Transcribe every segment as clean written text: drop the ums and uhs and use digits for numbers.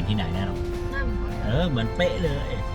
ที่ไหนแน่นอนหน้าเหมือนเขาเลยเหมือนเป๊ะเลย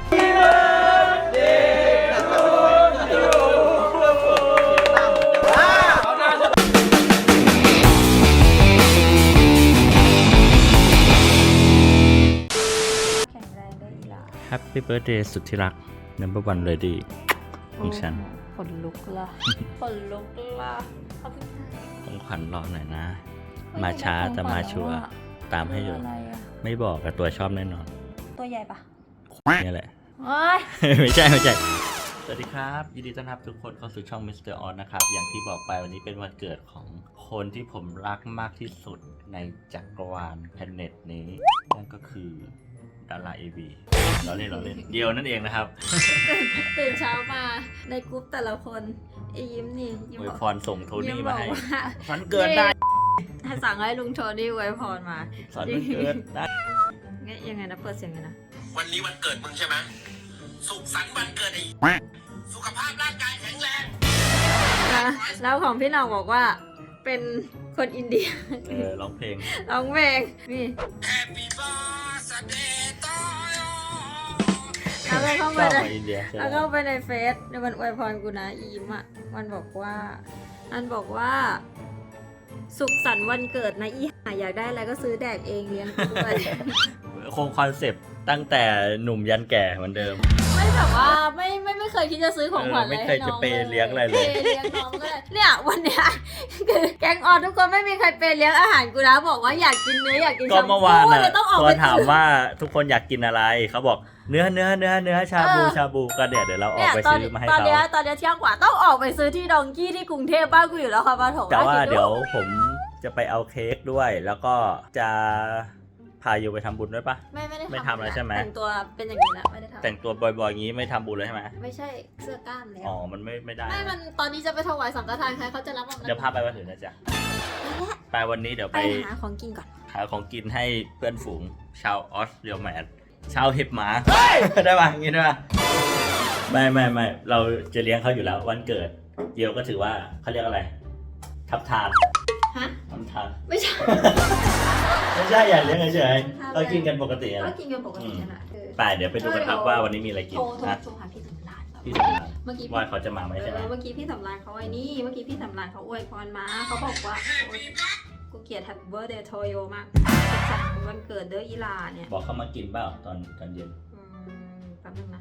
แข็งแรงได้อีหล่ะ Happy Birthday สุดที่รัก Number One Lady ของฉันขนลุกละขนลุกละเขาเพิ่งของขวัญรอหน่อยนะ มาช้าแต่มาชัวร์ตามให้อยู่อะไรอะไม่บอกกับตัวชอบแน่นอนตัวใหญ่ปะนี่แหละโอ๊ยไม่ใช่ สวัสดีครับยินดีต้อนรับทุกคนเข้าสู่ช่อง Mr. On นะครับ อย่างที่บอกไปวันนี้เป็นวันเกิดของคนที่ผมรักมากที่สุดในจักรวาลแพลเน็ตนี้นั่นก็คือดาราเอวีเราเล่นเดียวนั่นเองนะครับตื่นเช้ามาในกรุ๊ปแต่ละคนไอ้ยิ้มนี่ยิ้มอวยบอกพรส่งโทนี่บมาอกให้ว่าวันเกิดได้สั่งให้ลุงโทนี่อวยพรมาสอนวันเกิดได้งั้นยังไงนะเปิดเสียงไงนะวันนี้วันเกิดมึงใช่ไหมสุขสันต์วันเกิดไอ้สุขภาพร่างกายแข็งแรงแล้วของพี่หน้องบอกว่าเป็นคนอินเดียร้องเพลงร้องเพลงนี่ Happy birthday to you แล้วก็เข้าชไปอบในมาอินเดียใช่ไหมแล้วก็ไปในเฟซในวันอวยพรกูนะอียิ้มอ่ะมันบอกว่าสุขสันต์วันเกิดนะอีห่าอยากได้อะไรก็ซื้อแดกเองเลี้ยงกูด้วยคงคอนเซปต์ตั้งแต่หนุ่มยันแก่เหมือนเดิมไม่แบบว่าไม่เคยคิดจะซื้อของขวัญอะไรไม่เคให้ยน้จะองเปย์เลี้ยงอะไรเลยปย์เลี้ยงน้องก็เลยเนี่ยวันเนี้ยคือแก๊งออนทุกคนไม่มีใครเปย์เลี้ยงอาหารกูนะบอกว่าอยากกินเนื้ออยากกินก็เมื่อวานเลน่ะยต้องออกตอไปนถามว่าทุกคนอยากกินอะไรเขาบอกเนื้อชาบูก็เดี๋ยวเราออกไปซื้อมาให้ตอนเขาเนี้ยเที่ยงกว่าต้องออกไปซื้อที่ดองกี้ที่กรุงเทพบ้านกูอยู่แล้วค่ะปฐมแต่ว่าคิเดี๋ยวผมจะไปเอาเค้กด้วย แล้วก็จะพาโยไปทำบุญด้วยปะไม่ได้ไม่ทำอะไรใช่ไหมแต่งตัวเป็นอย่างนี้แล้วไม่ได้ทำแต่งตัวบ่อยๆอย่างนี้ไม่ทำบุญเลยใช่ไหมไม่ใช่เสื้อกล้ามแล้วอ๋อมันไม่ได้ไม่มันตอนนี้จะไปถวายสังฆทานใครเขาจะรับมาเดี๋ยวพาไปวันอื่นนะจ๊ะไปวันนี้เดี๋ยวไปไปหาของกินก่อนหาของกินให้เพื่อนฝูงชาวออสเตรเลียชาวเห็บหมาได้ป่ะอย่างงี้ได้ป่ะไม่เราจะเลี้ยงเขาอยู่แล้ววันเกิดเดียวก็ถือว่าเขาเรียกอะไรทับทานฮะทำทานไม่ใช่ไม่ใช่อย่าเลี้ยงเฉยๆเรากินกันปกติก็นะกินกันปกตินั่นแหละไปเดี๋ยวไปดูกันครับว่าวันนี้มีอะไรกินโทรนะหาพี่สำรานพี่สำราญเมื่อกี้ว่าเขาจะมาไหมใช่ไหมเมื่อกี้พี่สำรานเขาไอ้นี่เมื่อกี้พี่สำรานเขาอวยพรมาเขาบอกว่าโอ๊ยกูเกลียด Happy Birthday to you มากสุขสันต์วันเกิดเด้ออีลาเนี่ยบอกเขามากินเปล่าตอนเย็นแป๊บนึงนะ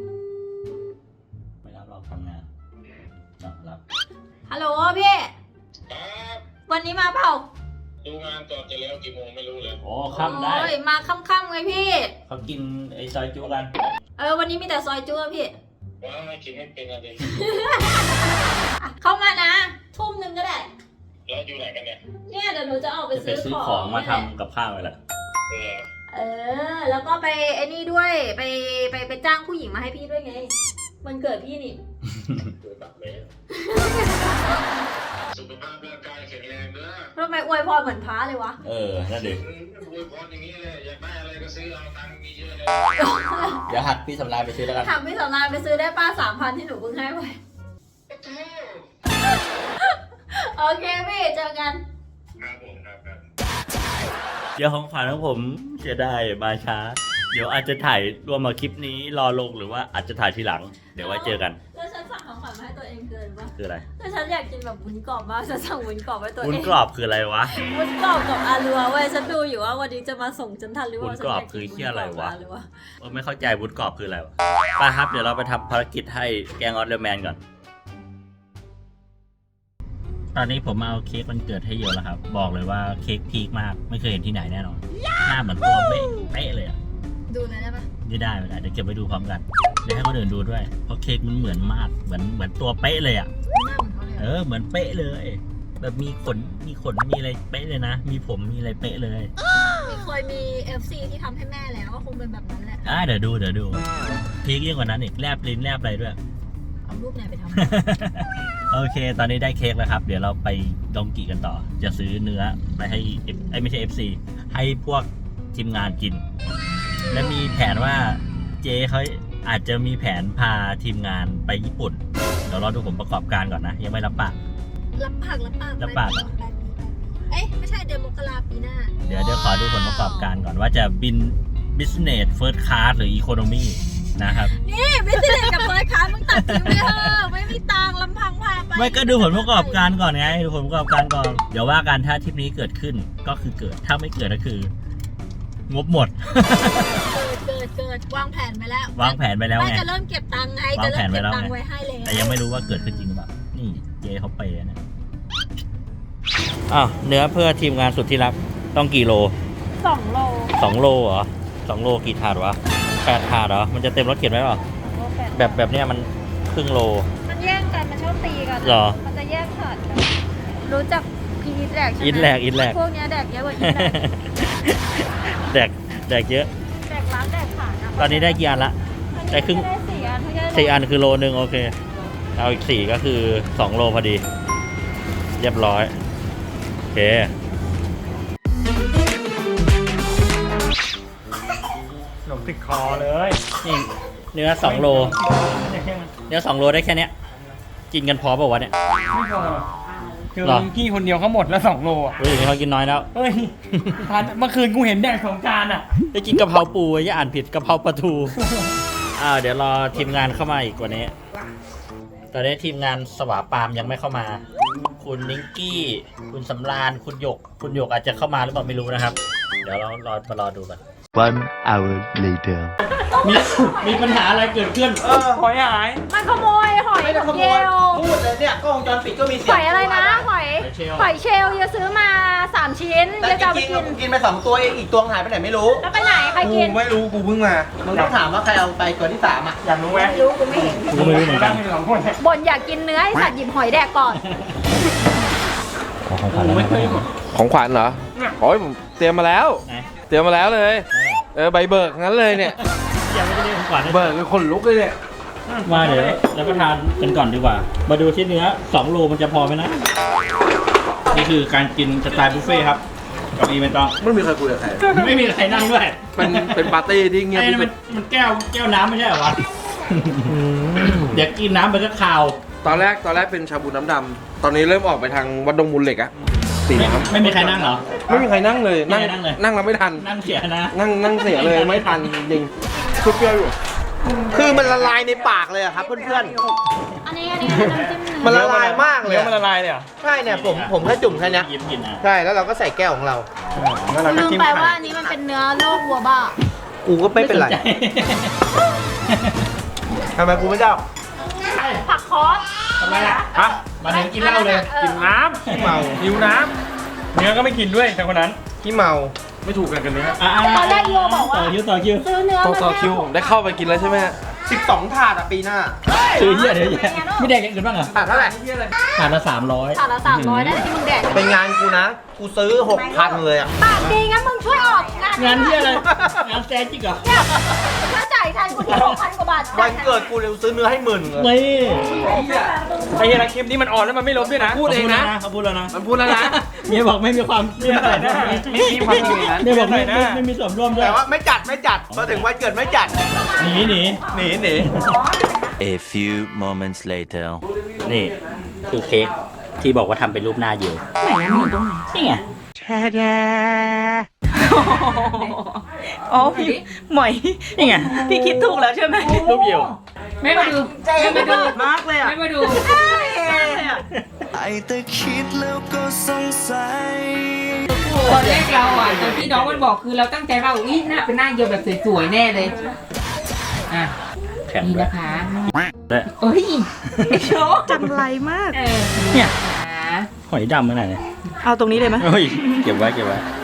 ไม่รับเราทำงานรับฮัลโหลพี่ครับวันนี้มาเปล่าดูงานก่อนจะแล้วกี่โมงไม่รู้เลยโอ้ค่ำได้โอ้ยมาค่ำๆไงพี่เขากินไอ้ซอยจุกันวันนี้มีแต่ซอยจุ๊พี่ว้าวกินไม่เป็นอะไรเข้ามานะ ทุ่มหนึ่งก็ได้แล้วอยู่ไหนกันเนี่ยเนี่ยเดี๋ยวหนูจะออกไปจะไปซื้อซื้อขขออง งมาทำกับข้าวไปแหละแล้วก็ไปไอ้นี่ด้วยไปจ้างผู้หญิงมาให้พี่ด้วยไงวันเกิดพี่นี่ดูแบบเลยสุขภาพร่างกายแข็งแรงเด้อทำไมอวยพรเหมือนพระเลยวะนั่นดิอวยพรอย่างนี้เลยอยากได้อะไรก็ซื้อเอาตังค์มีเยอะเลยเดี๋ยวหักพี่สำราญไปซื้อแล้วกันถามพี่สำรานไปซื้อได้ป้า3,000ที่หนูเพิ่งให้ไปโอเคพี่เจอกันครับผมครับเดี๋ยวของขวัญของผมจะได้มาช้า เดี๋ยวอาจจะถ่ายรวมมาคลิปนี้รอลงหรือว่าอาจจะถ่ายทีหลัง เดี๋ยวไว้เจอกันแล้วฉันสั่งของขวัญมาให้ตัวเองเกินปะคืออะไรแต่ฉันอยากกินแบบวุ้นกรอบมากฉันสั่งวุ้นกรอบไว้ตัวเองวุ้นกรอบคืออะไรวะวุ้นกรอบกับอาลัวเว้ยฉันดูอยู่ว่าวันนี้จะมาส่งฉันทันหรือวุ้ว่านกรอบคือเหี้ยอะไรวะ ไม่เข้าใจวุ้นกรอบคืออะไรวะไปครับ เดี๋ยวเราไปทำภารกิจให้แกงออสเดอร์แมนก่อน ตอนนี้ผมมาเอาเค้กวันเกิดให้เยอะแล้วครับ บอกเลยว่าเค้กพีคมาก ไม่เคยเห็นที่ไหนแน่นอน หน้าเหมือนตัวเป๊ะเลยอะดูเลยได้ปะไม่ได้เดี๋ยวเก็บไปดูพร้อมกัน เดี๋ยวให้คนอื่นดูด้วย เพราะเค้กมันเหมือนมาก เหมือนตัวเป๊ะเลยอ่ะหน้าเหมือนเขาเลยเหมือนเป๊ะเลย แบบมีขนมีอะไรเป๊ะเลยนะ มีผมมีอะไรเป๊ะเลยเคยมี FC ที่ทำให้แม่แล้วก็คงเป็นแบบนั้นแหละเดี๋ยวดูพีคยิ่งกว่านั้นอีกแลบลิ้นแลบอะไรด้วยเอารูปไหนไปทำโอเค ตอนนี้ได้เค้กแล้วครับ เดี๋ยวเราไปดองกิกันต่อ จะซื้อเนื้อไปให้ไม่ใช่ FC ให้พวกทีมงานกิน และมีแผนว่าเจ๊เขาอาจจะมีแผนพาทีมงานไปญี่ปุ่น เดี๋ยวรอดูผมประกอบการก่อนนะ ยังไม่รับปากรับปากรับปากเหรอปลายปีไม่ใช่เดือนมกราปีหน้าเดี๋ยวขอดูผลประกอบการก่อนว่าจะบิน business first class หรือ economy นะครับนี่ไม่ใช่เด็กกับเฟิร์สคลาสมึงตัดทิ้งไปเถอะไม่มีตังค์ลำพังพาไปไม่ก็ดูผลประกอบการก่อนไงดูผลประกอบการก่อนเดี๋ยวว่ากันถ้าทริปนี้เกิดขึ้นก็คือเกิดถ้าไม่เกิดก็คือ งบหมดเกิดวางแผนไปแล้ววางแผนไปแล้วไงจะเริ่มเก็บตังค์ไงวาจะงแผเริ่นมไปเก็บแล้วตังไงค์ไว้ให้เลยแต่ยังไม่รู้ว่าเกิดขึ้นจริงหรือเปล่านี่เจเขาไปแล้วนะอ้าวเนื้อเพื่อทีมงานสุดที่รักต้องกี่โล 2 โล 2 โลเหรอ2 โลกี่ถาดวะ8 ถาดเหรอมันจะเต็มรถเข็นไหมหรอแบบเนี้ยมันครึ่งโลมันแย่งกันมันชอบตีกันเหรอมันจะแย่งขาดกันรู้จักพีทแดกใช่ไหมอินแหลกพวกเนี้ยแดกเยอะกว่าอีทแดกแดกเยอะแดกล้างแดกขาดะตอนนี้ได้กี่อันละ ได้ครึ่งได้4 อันไม่ได้ 4 อันคือโลนึงโอเคเอาอีก4ก็คือ2 โลพอดีเรียบร้อยโอเคหนมติดคอเลยนี่เนื้อ2 โลเนื้อ2 โลได้แค่เนี้ยกินกันพอเปล่าวะเนี่ยไม่พอคือหรอพี่คนเดียวเขาหมดแล้ว2 โลอ่ะเฮ้ยเขากินน้อยแล้วเฮ้ยทานเมื่อคืนกูเห็นแดก2 จานอ่ะได้กินกะเพราปูอย่าอ่านผิดกะเพราปลาทู เดี๋ยวรอทีมงานเข้ามาอีกกว่านี้ ตอนนี้ทีมงานสวาปามยังไม่เข้ามา คุณนิงกี้ คุณสำราญ คุณหยกอาจจะเข้ามาหรือเปล่าไม่รู้นะครับ เดี๋ยวเรามารอดูกัน 1 hour later มีปัญหาอะไรเกิดขึ้นหอยหายมันขโมยหอยไม่ได้ขโมเยยลพูดเลยเนี่ยกล้องวงจรปิดก็มีเสียงหอยอะไรนะหอยหอยเชลล์หอยเชลล์จะซื้อมา3 ชิ้นแต่จะจเอาไปริงกินๆกินไป2 ตัวเองอีกตัวหายไปไหนไม่รู้แล้วไปไหนใครกูกินไม่รู้กูเพิ่งมามึงต้องถามว่าใครเอาไปตัวที่3อ่ะอยากรู้ไหมไม่รู้กูไม่เห็นกูไม่รู้เหมือนกันสองคนเนี่ยบ่นอยากกินเนื้อให้สัตว์หยิบหอยแดกก่อนของขวัญกูไม่เคยของขวัญเหรอโอ้ยผมเตรียมมาแล้วไหนเตรียมมาแล้วเลย ใบเบิกงั้นเลยเนี่ยยังไม่ได้เรียกของขวัญเลยเบิกคือคนลุกเลยเนี่ยมาเดี๋ยวรับประทานกันก่อนดีกว่า มาดูที่เนื้อ2 โลมันจะพอไหมนะ นี่คือการกินสไตล์บุฟเฟ่ต์ครับกับอีเวนต์ต้องไม่มีใครคุยกับใครไม่มีใครนั่งด้วยเป็นปาร์ตี้ที่เงียบไอ้ที่นั่นสุมันดมันแก้วน้ำไม่ใช่เหรอวะ เดี๋ยวกินน้ำไปก็คาวตอนแรกเป็นชาบูน้ำดำตอนนี้เริ่มออกไปทางวัดดงมูลเหล็กอะสีน้ำไม่มีใครนั่งเหรอไม่มีใครนั่งเลยไม่มีใครนั่งเลยนั่งแล้วไม่ทันนั่งเสียนะนั่งเสียเลยไม่ทันจริงชุดเปรี้ยวอยู่คือมันละลายในปากเลยอะครับเพื่อนอันนี้น้ำจิ้มๆมันละลายมากเลยเนื้ออะมันละลายเลยเหรอใช่เนี่ยผมแค่จุ่มแค่เนี้ยยิ้มกินอ่ะใช่แล้วเราก็ใส่แก้วของเราแล้วเราก็ลืมจิ้มไปไข่ว่าอันนี้มันเป็นเนื้อลูกวัวบ้ากูก็ไม่เป็นไรสใจทำไมกูไม่เจ้าผักคอสทำไมอ่ะฮะมาถึงกินเหล้าเลยกินน้ำเมาหิวน้ำเนื้อก็ไม่กินด้วยแต่คนนั้นที่เมาไม่ถูกกันเนื้อตอนแรกโยบอกว่าต่อคิวซื้อเนื้อต่อคิวผมได้เข้าไปกินแล้วใช่ไหมฮะ 12 ถาดอะปีหน้าซื้อเยอะเดี๋ยวไม่แดกอย่างอื่นบ้างเหรอถาดเท่าไหร่ถาดละ300 ถาดละ300ได้ที่มึงแดกเป็นงานกูนะ กูซื้อ 6,000 เลยอะปากดีงั้นมึงช่วยออกงานงานที่อะไร งานแซนจิกเหรอเนี่ยถ้าจ่ายแทนกูที่6,000 กว่าบาทวันเกิดกูเร็วซื้อเนื้อให้10,000เลยไม่ไอ้เหี้ยนะคลิปนี้มันอ่อนแล้วมันไม่ลบด้วยนะพูดเองนะเขาพูดแล้วนะมันพูดแล้วนะเมียบอกไม่มีความเมียบอกไม่มีความคิดอย่างนั้นเมียบอกไม่มีส่วนร่วมด้วยแต่ว่าไม่จัดพอถึงวันเกิดไม่จัดหนีหนี A few moments later นี่คือเค้กที่บอกว่าทำเป็นรูปหน้าอยู่นี่ไงอ๋อพี่หมอยนี่ไงพี่คิดถูกแล้วใช่ไหมรูปอยู่ไม่มาดูไม่มาดูมากเลยอ่ะ ไม่มาดูไอ้แต่คิดแล้วก็สงสัยตอนแรกเราอ่ะตอนที่น้องมันบอกคือเราตั้งใจว่าอุ้ยหน้าเป็นหน้าเดียวแบบสวยๆแน่เลย อ่ะแข็งนี่ด้วยนะคะด้วยเอ้ยไอ้โชว์จังไรมากเนี่ยค่ะหอยดำเมื่อไหร่เนี่ยเอาตรงนี้เลยไหมเฮ้ยเก็บไว้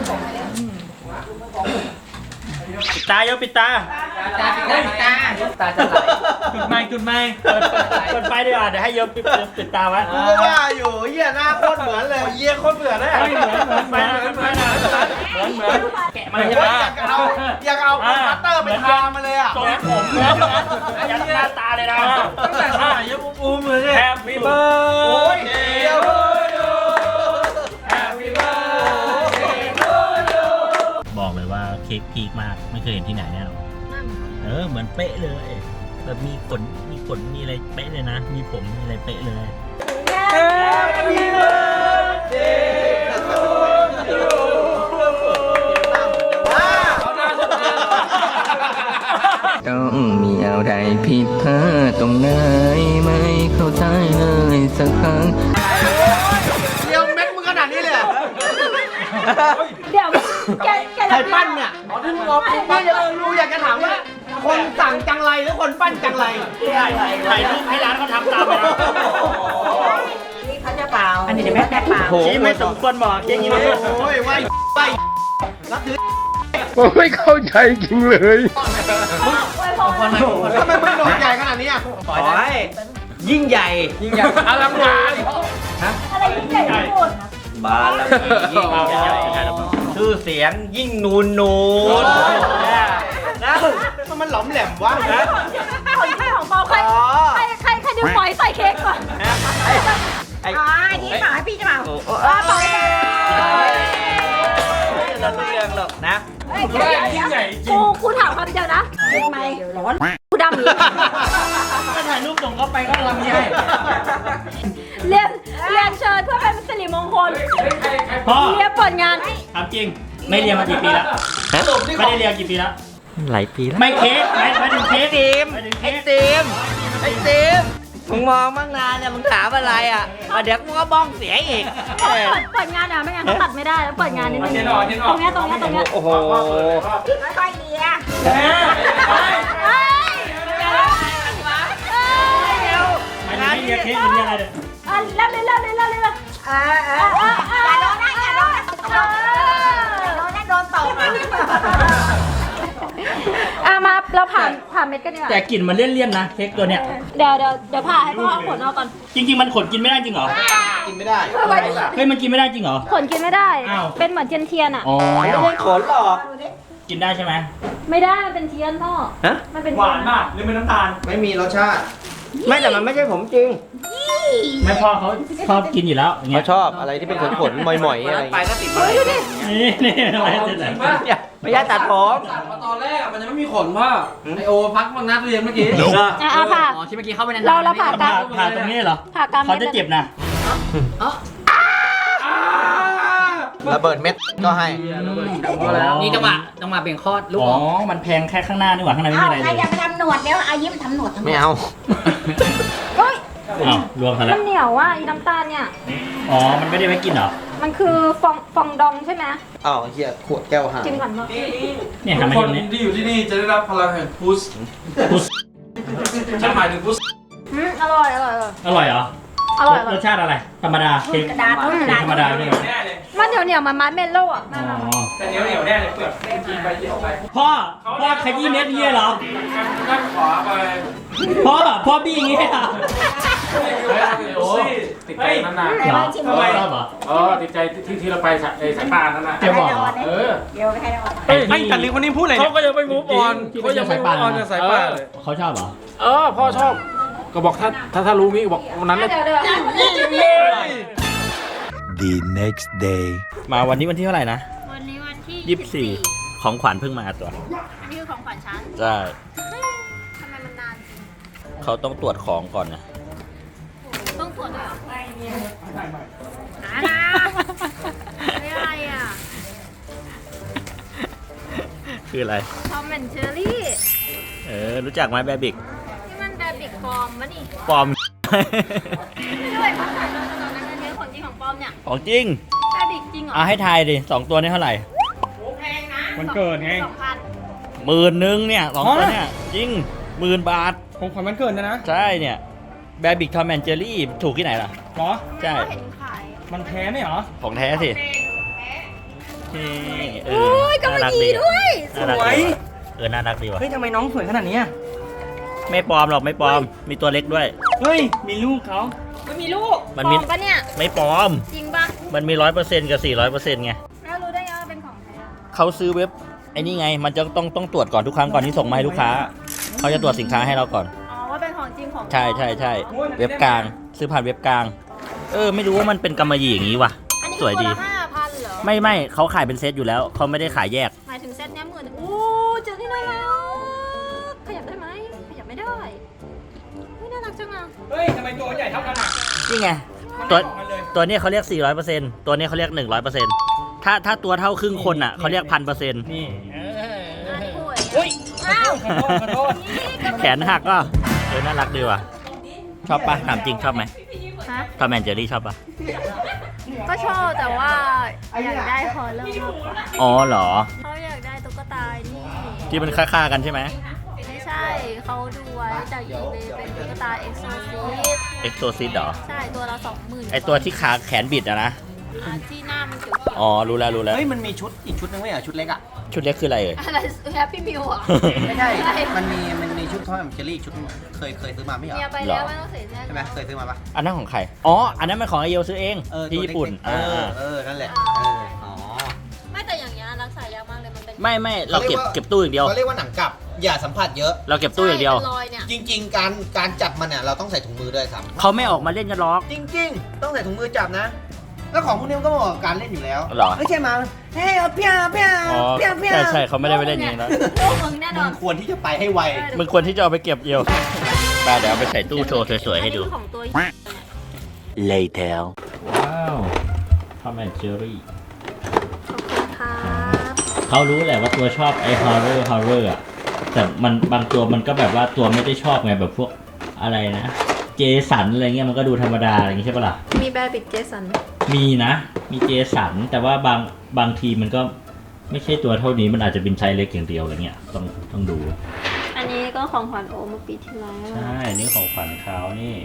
ปิดตาโยปิดตาตาปิดตาตาจะไหลจุดไม้เปิดไฟดีกว่าเดี๋ยวให้โยปิดตาไว้กูก็ว่าอยู่เหี้ยหน้าโคตรเหมือนเลยเหี้ยโคตรเหมือนเลยเหมือนแกะมาเลยอยากเอาคัตเตอร์ไปทามาเลยอ่ะทรงผมเหมือนยัดหน้าตาเลยนะตั้งแต่ท่ายังอุ้มเลยเนี่ย Happy birthday โอ้ยเดี๋ยวบอกเลยว่าเค้กพีคมากไม่เคยเห็นที่ไหนแน่นอนเหมือนเป๊ะเลยแบบมีขนมีอะไรเป๊ะเลยนะ มีผมมีอะไรเป๊ะเลย Happy birthday to you เอาหน้าเดี๋ยวแกใครปั้นเนี่ยอ๋อที่มึงบอกปั้นรู้อยากจะถามว่า คนสั่งจังไรหรือคนปั้นจังไรถ่ายรูปให้ร้านเขาทำตามไปนะนี่เขาจะเปล่าอันนี้เดี๋ยวแม่เปล่าชี้ไม่สมควรบอกอย่างนี้เลยโอ้ยไหวรับถือผมไม่เข้าใจจริงเลยทำไมมึงโดนใหญ่ขนาดนี้อ่ะขอให้ยิ่งใหญ่ยิ่งใหญ่อลังการอะไรยิ่งใหญ่ที่สุดบารมียิ่งใหญ่ชื่อเสียงยิ่งนูนนะมันหลอมแหลมวะคนที่ของเปาใครดึงปล่อยใส่เค้กก่อนนี่หมาพี่จะเปล่าปล่อยเราไม่เรื่องหรอกนะยิ่งใหญ่จริงกูถามคำเดียวนะทำไมร้อนกูดำอีกก็ถ่ายรูปส่งเข้าไปก็ลำใหญ่เรียนเชิญเพื่อเป็นสิริมงคลพ่อเรียนเปิดงานถามจริงไม่เรียนมากี่ปีแล้วไม่ได้เรียนกี่ปีแล้วหลายปีแล้วไม่เค้กไม่ถึงเค้กทีมไอ้ทีมมึงมองบ้างนานเนี่ยมึงถามอะไรอ่ะเดี๋ยวมึงก็บ้องเสียอีกเปิดงานอ่ะไม่งั้นเขาตัดไม่ได้แล้วเปิดงานนิดนึงตรงเนี้ยโอ้โหค่อยๆเลียไม่ได้เรียกเค้กหรือเรียกอะไรเนี่ยเล่าเลยอย่าโดนนะอย่าโดนนะโดนตบมาเราผ่านเม็ดกันดีกว่าแต่กลิ่นมันเลี่ยนๆนะเค้กตัวเนี้ยเดี๋ยวผ่าให้พ่อเอาขนออกก่อนจริงๆมันขนกินไม่ได้จริงเหรอกินไม่ได้เฮ้ยมันกินไม่ได้จริงเหรอขนกินไม่ได้อ้าวเป็นเหมือนเทียนอ่ะอ๋อขนหรอกกินได้ใช่ไหมไม่ได้มันเป็นเทียนพ่อมันเป็นหวานมากหรือเป็นน้ำตาลไม่มีรสชาติไม่แต่มันไม่ใช่ผมจริงไม่พ่อเขาชอบกินอยู่แล้วอย่างเงี้เขายชอบอะไรที่เป็นขนๆหมอยๆอะไรไปก็ติดมานี่อะไรติดไหนไม่ใช่ตัดผมมาตอนแรกมันยังไม่มีขนพ่อไอโอพักมานัดเรียนเมื่อกี้ผ่าอ๋อที่เมื่อกี้เข้าไปในเราผ่ากลางผ่าตรงนี้เหรอผ่ากลางเขาจะเจ็บนะระเบิดเม็ดก็ให้นี่จังหวะเบ่งคลอดลูกอ๋อมันแพงแค่ข้างหน้านี่หว่าข้างในไม่มีอะไรใครเลยอยากไปทำหนวดเดี๋ยวอายิ้มทำหนวดไม่เอาเฮ้ยอ้าวรวมกันแล้มัวนเหนียวว่ะอีน้ำตาลเนี่ยอ๋อมันไม่ได้ไว้กินเหรอมันคือฟองดองใช่ไหมอ้าวเฮียขวดแก้วหายชิมก่อนเนาะเนี่ยทุทำกให้คตนรงนี้ที่อยู่ที่นี่จะได้รับพลังแห่งพุชพุชฉันหมายถึงพุชอร่อยอร่อยเหรอ รสชาติอะไรธรรมดาเค้กกระดาษกระดาษธรรมดาเนี่ยมันเหนียวมันมัดเมลโล่อะอ๋อแต่เหนียวแน่เลยเปลือกกินไปกินออกไปพ่อขยี้เม็ดเงี้ยเหรอข้างขวาไปพ่อบี้อย่างงี้เหรอโอ้ยติดใจนานเหรอชอบเหรอติดใจที่เราไปสายป่านนั่นน่ะเจ๊บอกเหรอเดี๋ยวไปให้เราออกไอ้ไอ้แต่ลิงคนนี้พูดอะไรเขาก็ยังไม่มูฟออนที่เขายังไม่มูฟออนจากสายป่านเลยเขาชอบเหรอพ่อชอบ ก็บอกถ้ารู้งี้บอกวันนั้นเดี๋ยว The next day มาวันนี้วันที่เท่าไหร่นะวันนี้วันที่ 24ของขวัญเพิ่งมาตัวอันนี้คือของขวัญฉันใช่ทำไมมันนานเขาต้องตรวจของก่อนนะต้องตรวจด้วยเหรอหานะไม่อะไรอ่ะคืออะไรทอมแอนเชอรี่รู้จักไหมแบบิกนี่มันแบบบิกฟอร์มวะนี่ปลอมไม่ด้วยของขวัญตอนนั้นอันนี้ของจริงของปลอมเนี่ยของจริงแบบบิกจริงเหรอให้ทายดิ2ตัวนี้เท่าไหร่แพงนะมันเกิดไง 2,000 10,000เนี่ย2ตัวเนี่ยจริง10,000 บาทของขวัญมันเกิดนะใช่เนี่ยแบบิกทอมแอนเจอรี่ถูกที่ไหนล่ะเหรอใช่เห็นขายมันแท้ไหมเหรอของแท้สินี่โอ้ยกำมะหยี่ด้วยน่ารักดีน่ารักดีว่ะเฮ้ยทำไมน้องสวยขนาดนี้ไม่ปลอมหรอกไม่ปลอม มีตัวเล็กด้วยเฮ้ยมีลูกเขามันมีลูกมันปลมีอมปะเนี่ยไม่ปลอมจริงปะมันมี 100%กับ400%ไงแล้วรู้ได้ไงว่าเป็นของแท้เขาซื้อเว็บไอ้นี่ไง มันจะต้องตรวจก่อนทุกครั้งก่อนที่ส่งมาให้ลูกค้า เขาจะตรวจสินค้าให้เราก่อนอ๋อว่าเป็นของจริงของปลอมใช่ เว็บกลาง ซื้อผ่านเว็บกลาง ไม่รู้ว่ามันเป็นกำมะหยี่อย่างนี้ว่ะอันนี้สวยดีตัวละ5,000เหรอไม่เขาขายเป็นเซตอยู่แล้ว เขาไม่ได้ขายแยกหมายถึงเซตเนี้ย10,000โอ้เจอที่ไหนแล้วขยับได้ไหมขยับไม่ได้ไม่น่ารักจังอ่ะเฮ้ยทำไมตัวใหญ่เท่ากันอ่ะนี่ไง ตัวนี้เขาเรียก 400%ตัวนี้เขาเรียก 100%ถ้าตัวเท่าครึ่งคนอ่ะเขาเรียก 1,000% นี่อันนี้ป่วยเฮ้ยอ้าวขอโทษแขนหักก็น่ารักดีว่ะ ชอบปะถามจริงชอบไหมฮะทอมแอนเจอรี่ชอบปะก็ชอบแต่ว่าอยากได้ฮอลเลอร์มากกว่าอ๋อเหรอเขาอยากได้ตุ๊กตานี่ที่มันค่าๆกันใช่ไหมไม่ใช่เขาดูไว้จากอีเบเป็นตุ๊กตาเอ็กโซซิสเอ็กโซซิสเหรอใช่ตัวละ20,000 ไอตัวที่ขาแขนบิดอะนะที่หน้ามันเขียวอ๋อ รู้แล้วเฮ้ยมันมีชุดอีกชุดนึงไหมอ่ะชุดเล็กอ่ะชุดเล็กคืออะไรเอ่ยๆอะไรแฮปปี้มิวอ่ะไม่ใช่ มันมีชุดทอมแอนด์เจอรี่ชุดเคยซื้อมาไม่เหรอเมียไปแล้วไม่ต้องเสียใจใช่ไหมเคยซื้อมาปะอันนั้นของใคร อ๋อ อันนั้นมันของไอเยลซื้อเอง ที่ตัวญี่ปุ่นเล็กๆนั่นแหละอ๋อไม่แต่อย่างเงี้ยรักษายากมากเลยมันเป็นไม่เราเก็บตู้อย่างเดียวเขาเรียกว่าหนังกลับอย่าสัมผัสเยอะเราเก็บตู้อย่างเดียวใช่เป็นรอยเนี่ยจริง ๆ การจับมันเนี่ยเราต้องใส่ถุงมือด้วยซ้ำเขาไม่ออกมาเล่นกันหรอกจริง ๆ ต้องใส่ถุงมือจับนะ แล้วของพวกนี้มันก็เหมาะกับการเล่นอยู่แล้วเหรอไม่ใช่มาเฮ้ยเอาเพี้ยเพี้ยอ๋อเพี้ยเพี้ยใช่เขาไม่ได้ไปเล่นอย่างนี้แล้วลูกมึงแน่นมึอนงควรที่จะไปให้ไวมึงควรที่จะเอาไปเก็บเยลไปเดี๋ยวเอาไปใส่ตู้โชว์สวยๆให้ดูอันนี้ของตัว Later ว้าวทอมแอนเจอรี่ขอบคุณครับเขารู้แหละว่าตัวชอบไอ้ฮอร์เรอร์อะแต่มันบางตัวมันก็แบบว่าตัวไม่ได้ชอบไงแบบพวกอะไรนะ เจสันอะไรเงี้ยมันก็ดูธรรมดาอะไรอย่างงี้ใช่ปะล่ะมีแบร์บิดเจสันมีนะ มีเจสันแต่ว่าบางทีมันก็ไม่ใช่ตัวเท่านี้มันอาจจะเป็นไซส์เล็กอย่างเดียวอะไรเงี้ยต้องดูอันนี้ก็ของขวัญโอเมื่อปีที่แล้วใช่นี่ของขวัญเขานี่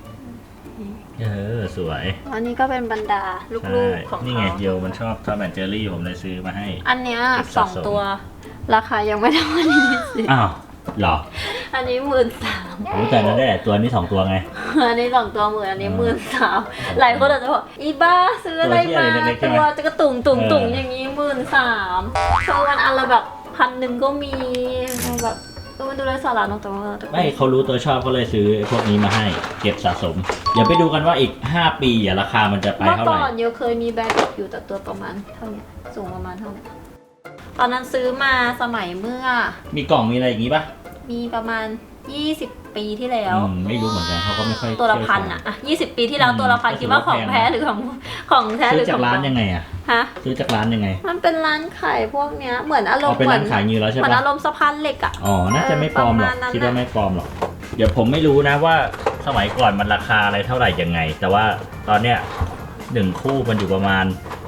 สวยอันนี้ก็เป็นบรรดาลูใช่กๆของนี่เขาไงเยลมันชอบทอมแอนเจอรี่ผมเลยซื้อมาให้อันเนี้ยเก็บสะสม 2 ตัว ราคายังไม่เท่าอันนี้สิอ้าวเหรออันนี้13,000 โอ้แต่นั้นได้แต่ตัวนี้2ตัวไงอันนี้2 ตัว10,000อันนี้13,000หลายคนอาจจะบอกอีบ้าซื้ออะไรมาตัวเหี้ยอะไรเล็กๆใช่ไหมตัวจะกระตุ่งอย่างนี้13,000คือวันอันละแบบ1,000ก็มีแบบมันดูไร้สาระเนอะแต่ว่าไม่เขารู้ตัวชอบก็เลยซื้อพวกนี้มาให้เก็บสะสม เดี๋ยวไปดูกันว่าอีก5 ปีราคามันจะไปเมื่อเท่าไหก่ร่อนโยเคยมีแบร์บิดอยู่แต่ตัวประมาณเท่าเนี้ยสูงประมาณเท่าเนี้ยตอนนั้นซื้อมาสมัยเมื่อมีกล่องมีอะไรอย่างงี้ปะมีประมาณ20 ปีที่แล้วไม่รู้เหมือนกันเขาก็ไม่ค่อยตัวละพันอ่ะ20 ปีที่แล้วตัวละพันก็ถืคิดอว่าว่าของแพงแท้หรือของแท้หซื้รือ อจากของร้านปลอมยังไงอะฮะซื้อจากร้านยังไงมันเป็นร้านขายพวกเนี้ยเหมือนอารมเอาณ์เป็นเหมืร้านขายเงินแล้วใช่เหมือนปะอารมณ์สะพานเหล็กอ่ะอ๋อน่าจะไม่ปลอมหรอกประมาณนั้นคิดว่าไม่ปลอมหรอกเดี๋ยวผมไม่รู้นะว่าสมัยก่อนมันราคาอะไรเท่าไหร่ยังไง แต่ว่าตอนเนี้ย1 คู่มันอยู่ประมาณ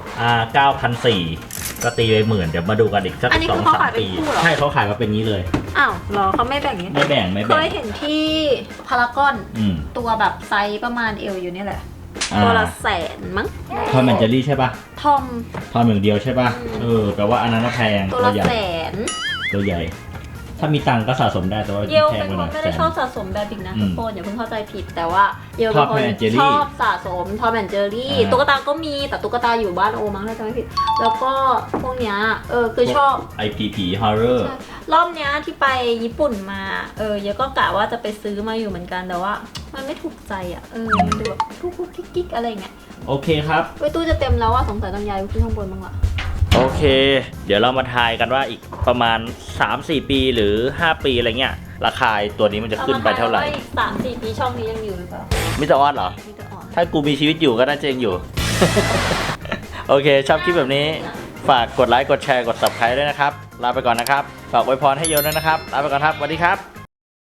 9,400ก็ตีไป10,000เดี๋ยวมาดูกันอีกสักอันนี้คือเขาขาย 2-3 เป็นปีคู่เหรอใช่เขาขายมาเป็นงี้เลยอ้าวเหรอเขาไม่แบ่งนี้ไม่แบ่งเคยเห็นที่พารากอนอืมตัวแบบไซส์ประมาณเอวอยู่นี่แหละ ตัวละ100,000มั้งทอมแอนเจอรี่ใช่ปะทอมทอมอย่างเดียวใช่ปะแปลว่าอันนั้นน่ะแพงตัวตัวละใหญ่ 100,000 ตัวใหญ่ ถ้ามีตังค์ก็สะสมได้แต่ว่าเยลแพงเป็นไปหคน่อน ยไม่ได้ชอบสะสมแบบบิกนะอืมทุกคนอย่าเพิ่งเข้าใจผิดแต่ว่าเยลชเป็อบนคน Tom and Jerry ชอบสะสมทอมแอนเจอรี่อ่าตุ๊กตาก็มีแต่ตุ๊กตาอยู่บ้านโอมั้งถ้าจำไม่ผิด แล้วก็พวกเนี้ยคือชอบไอผีฮอร์เรอร์ใช่รอบเนี้ยที่ไปญี่ปุ่นมาเยอะก็กะว่าจะไปซื้อมาอยู่เหมือนกันแต่ว่า มันไม่ถูกใจอ่ะมันดูแบบกุ๊กกิ๊กอะไรเงี้ยโอเคครับไว้ตู้จะเต็มแล้วอ่ะสงสัยต้องย้ายไปขึ้นข้างบนบ้างละโอเค เดี๋ยวเรามาทายกันว่าอีกประมาณ 3-4 ปีหรือ 5 ปีอะไรเงี้ย ราคาตัวนี้มันจะขึ้นไปเท่าไหร่ออีก3-4 ปีช่องนี้ยังอยู่หรือเปล่ามิสเตอร์ออสเหรอมีแต่อ่อนถ้ากูมีชีวิตอยู่ก็น่าจะยังอยู่ โอเค ชอบคลิปแบบนี้ ฝากกดไลค์ กดแชร์ กด subscribe ด้วยนะครับ ลาไปก่อนนะครับ ฝากอวยพรให้โยนด้วยนะครับ ลาไปก่อนครับ สวัสดีครับ